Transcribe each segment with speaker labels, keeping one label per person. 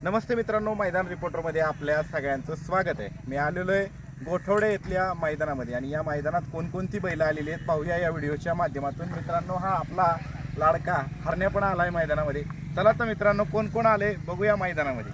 Speaker 1: नमस्ते मित्रांनो, मैदान रिपोर्टरमध्ये आपल्या सगळ्यांचं स्वागत आहे. मी आलेलो आहे गोठवडे इथल्या मैदानामध्ये आणि या मैदानात कोणकोणती बैलं आलेली आहेत पाहूया या व्हिडिओच्या माध्यमातून. मित्रांनो, हा आपला लाडका हरण्या पण आला आहे मैदानामध्ये. चला तर मित्रांनो, कोण कोण आले बघूया मैदानामध्ये.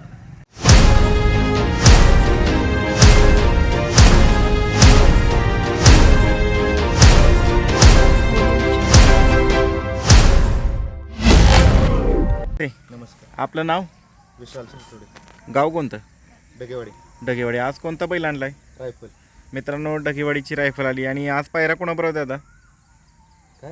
Speaker 2: नमस्कार.
Speaker 1: आपलं नाव?
Speaker 2: विशाल सिंगतोडे,
Speaker 1: गाव कोणतं?
Speaker 2: डगेवाडी.
Speaker 1: ढगेवाडी. आज कोणता बैल आणलाय?
Speaker 2: रायफल.
Speaker 1: मित्रांनो, ढगेवाडीची रायफल आली आणि आज पायरा कोणाबरोबर दादा?
Speaker 2: काय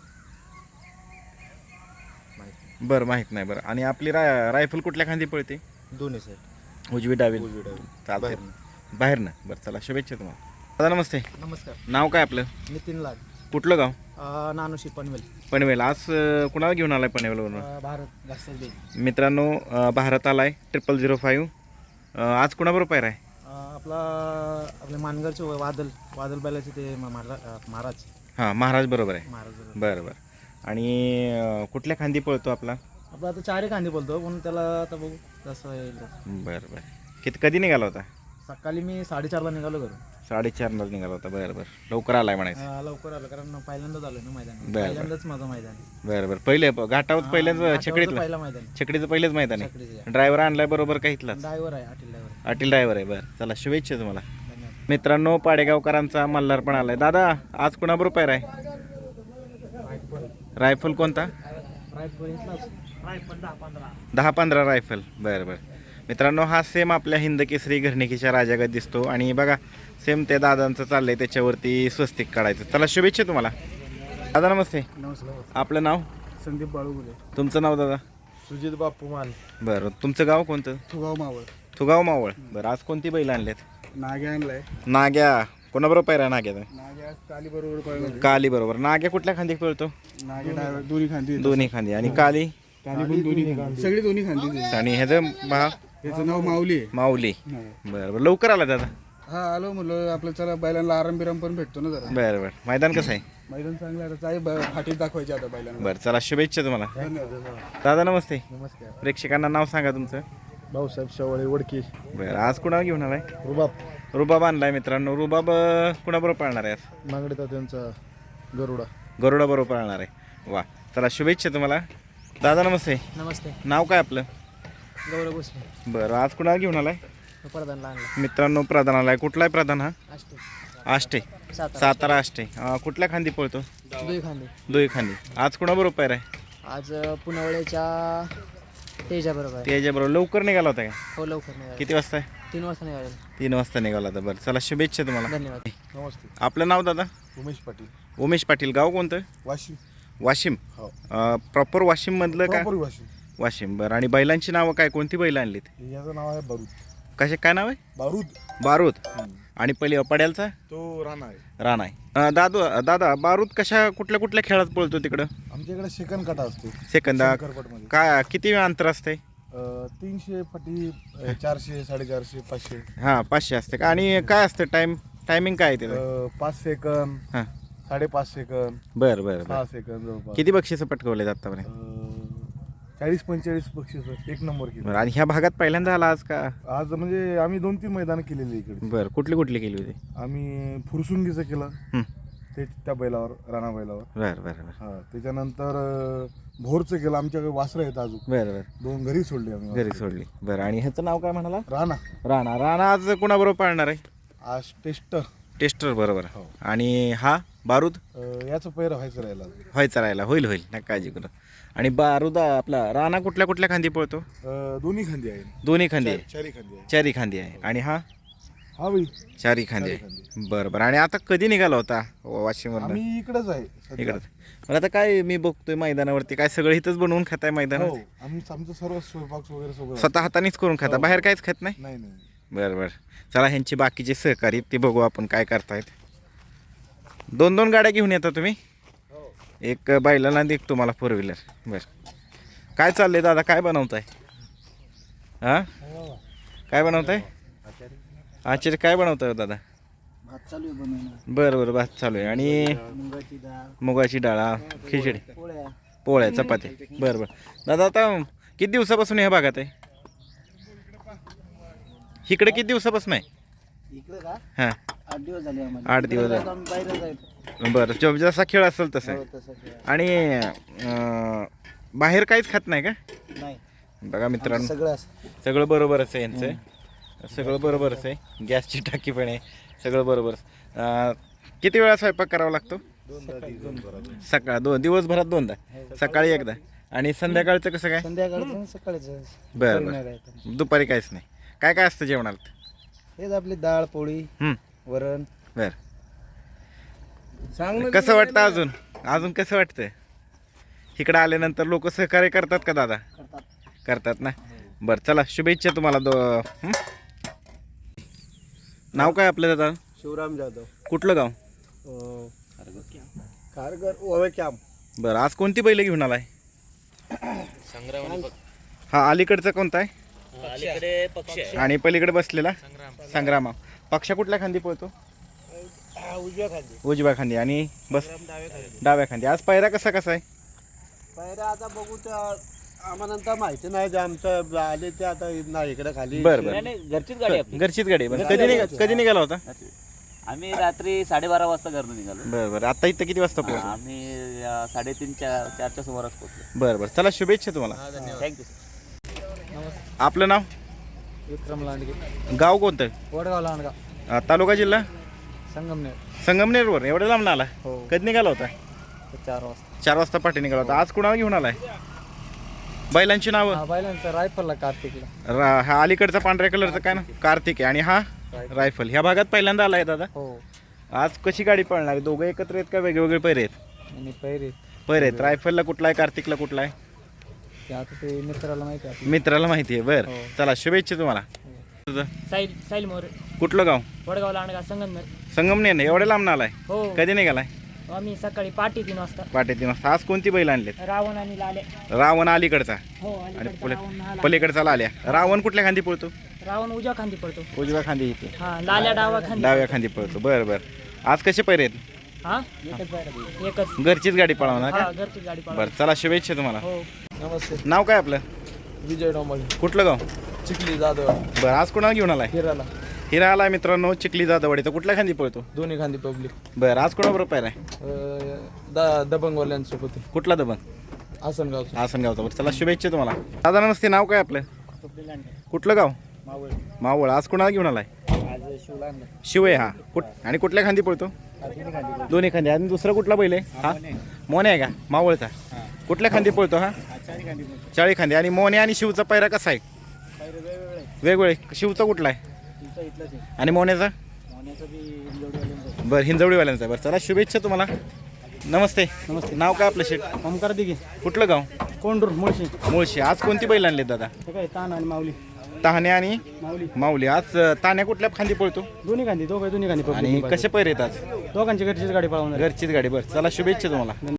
Speaker 1: बरं, माहीत नाही. बरं, आणि आपली रायफल कुठल्या खांदी पळते?
Speaker 2: दोन्ही साईड,
Speaker 1: उजवी डावी
Speaker 2: उजवी डावी.
Speaker 1: चालतंय. बाहेरनं. बरं, चला शुभेच्छा तुम्हाला. दादा नमस्ते.
Speaker 2: नमस्कार.
Speaker 1: नाव काय आपलं?
Speaker 2: नितीन लाड,
Speaker 1: कुठलं गाव?
Speaker 2: नानोशी पनवेल.
Speaker 1: पनवेल. आज कुणाला घेऊन आलाय पनवेलवरून?
Speaker 2: भारत जास्त दे.
Speaker 1: मित्रांनो, भारत आलाय 0005. आज कुणाबरोबर पायरा आहे?
Speaker 2: आपले मानगरचे वादल बैलाचे ते महाराज.
Speaker 1: हां, महाराज बरोबर आहे.
Speaker 2: महाराज
Speaker 1: बरं बरं. आणि कुठल्या खांदी पळतो आपला?
Speaker 2: आपला आता चारही कांदे बोलतो, पण त्याला आता बघू कसं येईल.
Speaker 1: बरं बरं. कधी निघाला होता?
Speaker 2: सकाळी मी 4:30ला निघालो घरून.
Speaker 1: 4:30ला निघाला होता. बरं बरं. लवकर आलाय म्हणायचं.
Speaker 2: लवकर आलो कारण पहिल्यांदाच आलो ना मैदान.
Speaker 1: बरं.
Speaker 2: पहिल्यांदाच माझं मैदान.
Speaker 1: बरं बरं. पहिले घाटावर पहिल्यांदा छकडीतलं?
Speaker 2: पहिला मैदान.
Speaker 1: छकडीचं पहिलेच मैदान आहे. ड्रायव्हर आणलाय बरोबर का इथलाच?
Speaker 2: ड्रायव्हर आहे, अटील ड्रायव्हर.
Speaker 1: अटील ड्रायव्हर आहे. बरं, चला शुभेच्छा तुम्हाला.
Speaker 2: धन्यवाद.
Speaker 1: मित्रांनो, पाडेगावकरांचा मल्हार पण आलाय. दादा, आज कुणाबरोबर पायरा आहे? रायफल कोणता?
Speaker 2: Rifle
Speaker 1: 10-15 rifle. बरं बरं. मित्रांनो, हा सेम आपल्या हिंद केसरी घरणिकीच्या राजागत दिसतो आणि बघा सेम त्या दादांचं चाललंय त्याच्यावरती स्वस्तिक काढायचं. चला शुभेच्छा तुम्हाला. दादा नमस्ते.
Speaker 2: नमस्कार.
Speaker 1: आपलं नाव?
Speaker 2: संदीप बाळूगुले.
Speaker 1: तुमचं नाव दादा?
Speaker 2: सुजित बापू मान.
Speaker 1: बरं, तुमचं गाव कोणतं?
Speaker 2: तुगाव मावळ.
Speaker 1: तुगाव मावळ. बरं, आज कोणती बैल आणलेत?
Speaker 2: नाग्या आणलाय.
Speaker 1: नाग्या. कोणाबरोबर पायरा नाग्याचा?
Speaker 2: नाग्या काली बरोबर.
Speaker 1: काली बरोबर. नाग्या कुठल्या खांदी पळतो?
Speaker 2: नाग्या डायव्हर दोन्ही खांदी.
Speaker 1: दोन्ही खांदी. आणि काली?
Speaker 2: काली पण दोन्ही खांदी. सगळी दोन्ही खांदी.
Speaker 1: आणि ह्याचं पहा,
Speaker 2: याचं नाव माऊली आहे.
Speaker 1: माऊली. बरं बरं. लवकर आला दादा?
Speaker 2: हा, आलो म्हणलं आपलं चला बैलांना आराम बिराम पण भेटतो ना जरा.
Speaker 1: बरं बरं. मैदान कसं आहे?
Speaker 2: मैदान चांगलं आहे. आता फाटीत दाखवायचे आता बैलांना.
Speaker 1: बरं, चला शुभेच्छा तुम्हाला.
Speaker 2: धन्यवाद.
Speaker 1: दादा नमस्ते.
Speaker 2: नमस्कार.
Speaker 1: प्रेक्षकांना नाव सांगा तुमचं.
Speaker 2: भाऊसाहेब शेवळे वडकी.
Speaker 1: बरं, आज कुणाला घेऊन आलाय?
Speaker 2: रुबाब.
Speaker 1: रुबाब आणलाय मित्रांनो. रुबाब कुणाबरोबर पाळणार आहे आज?
Speaker 2: मागडीचा त्यांचा गरुडा.
Speaker 1: गरुडा बरोबर पाळणार आहे. वा, चला शुभेच्छा तुम्हाला. दादा नमस्ते.
Speaker 2: नमस्ते.
Speaker 1: नाव काय आपलं?
Speaker 2: गौरव भोसले.
Speaker 1: बरं, आज कुणाला घेऊन आलाय?
Speaker 2: प्रधानला आणला.
Speaker 1: मित्रांनो, प्रधान आलाय. कुठला आहे प्रधान? हा
Speaker 2: अष्टे.
Speaker 1: आष्टे. सातारा आष्टे. कुठल्या खांदी पळतो?
Speaker 2: दुई खांदे.
Speaker 1: दोही खांदी. आज कुणाबरोबर पायरा आहे?
Speaker 2: आज पुनवळ्याच्या तेजा बरोबर आहे.
Speaker 1: त्याच्याबरोबर. लवकर निघाला होता का?
Speaker 2: हो, लवकर निघाले.
Speaker 1: किती वाजता आहे?
Speaker 2: 3 वाजता निघाले.
Speaker 1: 3 वाजता निघाला होता. बरं, चला शुभेच्छा तुम्हाला.
Speaker 2: धन्यवाद. नमस्ते.
Speaker 1: आपलं नाव दादा?
Speaker 2: उमेश पाटील.
Speaker 1: उमेश पाटील. गाव कोणतं?
Speaker 2: वाशिम.
Speaker 1: वाशिम.
Speaker 2: हो.
Speaker 1: प्रॉपर वाशिम मधलं का?
Speaker 2: वाशिम.
Speaker 1: वाशिम. बरं, आणि बैलांची नावं काय? कोणती बैल आणलीत?
Speaker 2: याचं नाव आहे बारूद.
Speaker 1: कसे काय नाव आहे?
Speaker 2: बारूद.
Speaker 1: बारूद. आणि पहिले पड्यालचा?
Speaker 2: तो राणा आहे.
Speaker 1: राणा आहे. दादा, बारूद कुठल्या कुठल्या खेळात पळतो तिकडं?
Speaker 2: आमच्याकडे सेकंड काटा असतो.
Speaker 1: सेकंद.
Speaker 2: करपटमध्ये
Speaker 1: काय किती अंतर असते?
Speaker 2: 300 फटी, 400, 450, 500.
Speaker 1: हां, 500 असते का? आणि काय असतं टायमिंग काय आहे त्याचं?
Speaker 2: 5 सेकंद,
Speaker 1: हां.
Speaker 2: 5.5 सेकंद,
Speaker 1: बरं बरं
Speaker 2: 6
Speaker 1: बरं.
Speaker 2: सेकंद जवळपास.
Speaker 1: किती बक्षिसं पटकवलेत आतापर्यंत?
Speaker 2: 40-45 बक्षीस. एक नंबर केलं.
Speaker 1: बरं, आणि ह्या भागात पहिल्यांदा आला आज का?
Speaker 2: आज म्हणजे आम्ही 2-3 मैदान केलेली इकडे.
Speaker 1: बरं, कुठली केली होती?
Speaker 2: आम्ही फुरसुंगीचं केलं.
Speaker 1: हं.
Speaker 2: ते त्या बैलावर, राणा बैलावर.
Speaker 1: बरं बरं बरं.
Speaker 2: हा, त्याच्यानंतर भोरचं केलं. आमच्याकडे वासरं आहेत अजून.
Speaker 1: बरं बरं.
Speaker 2: 2 घरी सोडली आम्ही.
Speaker 1: घरी सोडली. बरं, आणि ह्याचं नाव काय म्हणाला?
Speaker 2: राणा.
Speaker 1: राणा आज कुणाबरोबर पाळणार आहे?
Speaker 2: आज
Speaker 1: टेस्टर बरोबर.
Speaker 2: हो.
Speaker 1: आणि हा बारूद?
Speaker 2: याचं पैर व्हायचं राहिला.
Speaker 1: व्हायचा राहिला. होईल नका काळजी करू. आणि बारूद आपला राणा कुठल्या खांदी पळतो?
Speaker 2: दोन्ही खांदी आहे.
Speaker 1: दोन्ही खांदी आहे.
Speaker 2: चारी खांदी आहे.
Speaker 1: चारी खांदी आहे. आणि हा?
Speaker 2: हा बाई,
Speaker 1: चारी खांदी आहे. बरं बरं. आणि आता कधी निघाला होता वाशिमवरून?
Speaker 2: आम्ही इकडेच आहे सध्या.
Speaker 1: इकडं. मला आता काय मी बघतोय मैदानावरती काय सगळं इथंच बनवून खाताय
Speaker 2: हो,
Speaker 1: मैदानात?
Speaker 2: आमचं सर्व स्वयंपाक वगैरे सगळं.
Speaker 1: स्वतः हातानेच करून खाता?
Speaker 2: हो.
Speaker 1: बाहेर काहीच खात नाही?
Speaker 2: नाही.
Speaker 1: बरं बरं. चला, ह्यांची बाकीचे सहकारी ते बघू आपण काय करतायत. 2 गाड्या घेऊन येता तुम्ही?
Speaker 2: हो.
Speaker 1: एक बैलाला आणि एक तुम्हाला 4 व्हीलर. बरं, काय चाललंय दादा? काय बनवताय? हां, काय बनवताय? आचार्य काय बनवताय दादा?
Speaker 2: भात चालू आहे बनवणं.
Speaker 1: बरं, भात चालू आहे. आणि मुगाची डाळ, खिचडी, पोळ्या, चपाती. बरं. दादा, आता किती दिवसापासून ह्या भागात आहे? इकडे किती दिवसापासून आहे?
Speaker 3: इकडे का
Speaker 1: हां
Speaker 3: 8 दिवस झाले आम्हाला.
Speaker 1: 8 दिवस
Speaker 3: इकडे जाऊन बाहेर जायचं.
Speaker 1: बरं जसा खेळ असेल तसं
Speaker 3: हो, तसं काय.
Speaker 1: आणि बाहेर काहीच खात नाही का?
Speaker 3: नाही
Speaker 1: बघा मित्रांनो
Speaker 3: सगळं असं.
Speaker 1: सगळं बरोबरच आहे यांचं, सगळं बरोबरच आहे. गॅसची टाकी पण आहे, सगळं बरोबर. किती वेळा स्वयंपाक करावा लागतो? सकाळ दिवसभरात दोनदा, सकाळी एकदा आणि संध्याकाळचं कसं काय?
Speaker 3: संध्याकाळचं सकाळीच.
Speaker 1: बरं बरं दुपारी काहीच नाही. काय काय असतं जेवणात?
Speaker 3: हेच आपली डाळ पोळी वरण.
Speaker 1: बरं कसं वाटतं अजून कसं वाटतं इकडं आल्यानंतर? लोक सहकार्य करतात का दादा? करतात ना. बरं चला शुभेच्छा तुम्हाला नाव काय आपलं दादा?
Speaker 2: शिवराम जाधव,
Speaker 1: कुठलं गाव?
Speaker 2: कारगर ओवे कॅम्प.
Speaker 1: बरं आज कोणती बैल घेऊन आलाय? हा अलीकडचा कोणता आहे? आणि पलीकडे बसलेला संग्राम. पक्षा कुठल्या खांदी पळतो? उजव्या खांदी. आणि बस डाव्या खांदी. आज पायरा कसा आहे?
Speaker 2: पहिला आता बघू आम्हाला नंतर माहिती नाही जे आमचं आले ते आता नाही इकडे खाली.
Speaker 1: बरं बरं
Speaker 4: घरचीच गाडी आपली.
Speaker 1: घरचीच गाडी. बरं कधी निघाला होता?
Speaker 4: आम्ही रात्री 12:30 वाजता घरून निघालो.
Speaker 1: बरं बरं आता इथं किती वाजता पोहोचलो?
Speaker 4: आम्ही 3:30-4च्या सुमारास पोहोचलो.
Speaker 1: बरं बरं चला शुभेच्छा तुम्हाला.
Speaker 4: थँक्यू.
Speaker 1: आपलं नाव?
Speaker 3: विक्रम लांडगे,
Speaker 1: गाव कोणतं?
Speaker 3: वडगाव लांडगाव,
Speaker 1: तालुका जिल्हा?
Speaker 3: संगमनेर.
Speaker 1: संगमनेरवर एवढ्या लांब आला?
Speaker 3: हो
Speaker 1: कधी निघाला होता?
Speaker 3: 4 वाजता.
Speaker 1: 4 वाजता पाठी निघाला होता. आज कुणाला घेऊन आलाय? बैलांची नावं?
Speaker 3: हा बैलांचा रायफलला कार्तिकला.
Speaker 1: हा अलीकडचा पांढऱ्या कलरचा काय ना कार्तिक आहे आणि हा रायफल. ह्या भागात पहिल्यांदा आलाय दादा.
Speaker 3: हो
Speaker 1: आज कशी गाडी पळणार आहे? दोघं एकत्र आहेत का वेगवेगळे पैरे आहेत?
Speaker 3: आणि पैरे
Speaker 1: पैरे आहेत. रायफलला कुठला आहे, कार्तिकला कुठला आहे?
Speaker 3: ते आता ते मित्राला माहिती आहे.
Speaker 1: मित्राला माहिती आहे. बरं
Speaker 3: हो.
Speaker 1: चला शुभेच्छा तुम्हाला. तुझं
Speaker 5: साईल मोरे,
Speaker 1: कुठलं गाव?
Speaker 5: वडगाव लांडगा, संगमनेर.
Speaker 1: संगमनेर नाही एवढ्या लांब आलाय?
Speaker 5: हो
Speaker 1: कधी निघालाय?
Speaker 5: आम्ही सकाळी 3:30 वाजता.
Speaker 1: पाटे 3 वाजता. आज कोणती बैल आणलेत?
Speaker 5: रावण आणि लाले.
Speaker 1: रावण अलीकडचा
Speaker 5: हो
Speaker 1: आणि
Speaker 5: अलीकडचा रावण लाल्या.
Speaker 1: पलीकडचा लाल्या. रावण कुठल्या खांदी पळतो?
Speaker 5: रावण उजव्या खांदी पडतो.
Speaker 1: उजव्या खांदी इथे,
Speaker 5: हा लाल्या डावा खांदी.
Speaker 1: डाव्या खांदी पळतो. बरं बरं आज कसे पैरे आहेत?
Speaker 5: हा एकच.
Speaker 1: घरचीच गाडी पळवणार
Speaker 5: हा
Speaker 1: का?
Speaker 5: घरची गाडी पळवा.
Speaker 1: बरं चला शुभेच्छा तुम्हाला.
Speaker 5: हो
Speaker 3: नमस्ते.
Speaker 1: नाव काय आपलं?
Speaker 3: विजय डोंबळे,
Speaker 1: कुठलं गाव?
Speaker 3: चिखली जाधव,
Speaker 1: बरं आज कोणाला घेऊन आलाय?
Speaker 3: हिराला.
Speaker 1: हिरा आलाय मित्रांनो चिखली जाधववाडीचा. कुठल्या खांदी पळतो?
Speaker 3: दोन्ही खांदी पब्लिक.
Speaker 1: बरं आज कोणाबरोबर पाहिला आहे?
Speaker 3: दबंगवाल्यांसोबत.
Speaker 1: कुठला दबंग?
Speaker 3: आसनगावचं.
Speaker 1: आसनगावचा. बरं चला शुभेच्छा तुम्हाला. दादा नमस्ते. नाव काय आपलं? कुठलं गाव? मावळ. आज कोणाला घेऊन आलाय? शिव आहे हा. आणि कुठल्या खांदी पळतो? दोन्ही खांदी. आणि दुसरा कुठला बैल आहे? हा मोने आहे का मावळचा? कुठल्या खांदी पळतो हा? चाळी खांदी. आणि मोने आणि शिवचा पैरा कसा आहे? वेगवेगळे. शिवचा कुठला आहे आणि मोन्याचा? बरं हिंजवडीवाल्यांचा. बरं चला शुभेच्छा तुम्हाला. नमस्ते.
Speaker 3: नमस्ते.
Speaker 1: नाव काय आपलं शेठ?
Speaker 3: ओमकार दिघे,
Speaker 1: कुठलं गाव?
Speaker 3: कोंडूर, मुळशी.
Speaker 1: मुळशी. आज कोणती बैल आणली दादा?
Speaker 3: हे काय तान आणि माऊली.
Speaker 1: तहाने आणि
Speaker 3: माऊली
Speaker 1: माऊली. आज तान्या कुठल्या खांदी पळतो
Speaker 3: दोन्ही खांदी, दोन्ही खांदी
Speaker 1: आणि कसे पैरे येतात?
Speaker 3: दोघांची घरचीच गाडी पळवणार.
Speaker 1: घरचीच गाडी. बरं चला शुभेच्छा तुम्हाला.